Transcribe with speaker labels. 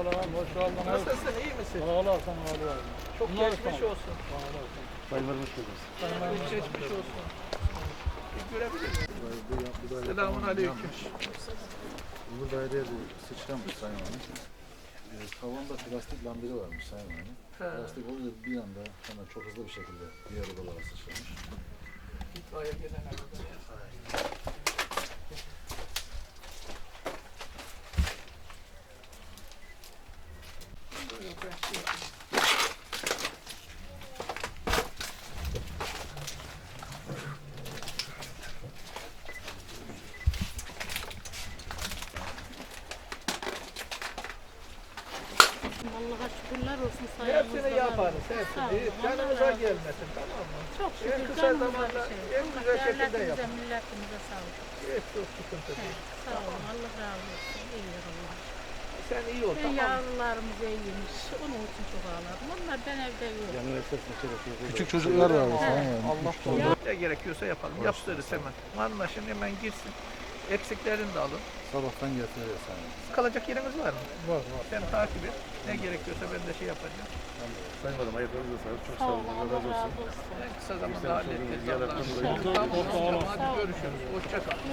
Speaker 1: Aleykümselam, hoş geldiniz.
Speaker 2: Nasılsın, iyi misin?
Speaker 1: Sağ olasın, Ali abi.
Speaker 2: Çok geçmiş olsun.
Speaker 1: Sağ olasın.
Speaker 3: Sayın hoş geldiniz.
Speaker 2: Çok geçmiş olsun. Bir görebilir miyim? Selamun aleyküm.
Speaker 3: Bu daireye bir sıçramış Sayın Hanım. Tavanda plastik lambiri varmış Sayın Hanım. Plastik olunca bir anda hemen çok hızlı bir şekilde diğer odalara sıçramış.
Speaker 2: İtfaiye gelene kadar. Buyurun, ben şey yapayım.
Speaker 4: Allah'a şükürler olsun sayemizde.
Speaker 2: Hepsini yaparız,
Speaker 4: Sağ
Speaker 2: hepsini.
Speaker 4: olun,
Speaker 2: Canımıza
Speaker 4: Allah razı
Speaker 2: gelmesin, tamam mı?
Speaker 4: Çok
Speaker 2: En
Speaker 4: şükür
Speaker 2: kısa
Speaker 4: canımıza
Speaker 2: zamanda,
Speaker 4: bir şey.
Speaker 2: en güzel şekilde
Speaker 4: Devletimize,
Speaker 2: yapın.
Speaker 4: milletimize sağlık.
Speaker 2: Hiç çok sıkıntı değil.
Speaker 4: Evet, sağ olun, Allah razı olsun. İyi Allah.
Speaker 2: Sen iyi ol,
Speaker 4: Ben
Speaker 2: tamam mı?
Speaker 4: yavrularımız iyiymiş. Onun için çok ağladım. Onlar ben evde yok.
Speaker 3: Küçük çocuklar var Sayın Hanım.
Speaker 2: Allah korusun. Ne gerekiyorsa yapalım. Yaptırırız hemen. Anlaşın, hemen girsin. Eksiklerini de alın.
Speaker 3: Sabahtan getiriyor Sayın Hanım.
Speaker 2: Kalacak yerimiz var mı?
Speaker 1: Var, var.
Speaker 2: Sen takip et. Ne gerekiyorsa ben de şey yapacağım.
Speaker 3: Sayın Hanım ayaklarınıza sağlık. Çok
Speaker 4: Sağ olun, Allah razı olsun.
Speaker 2: En kısa zamanda halledeceğiz.
Speaker 3: Yaratan
Speaker 2: Allah'ın
Speaker 3: dolayı.
Speaker 2: izniyle. Tamam, hadi görüşürüz. Hoşça kal.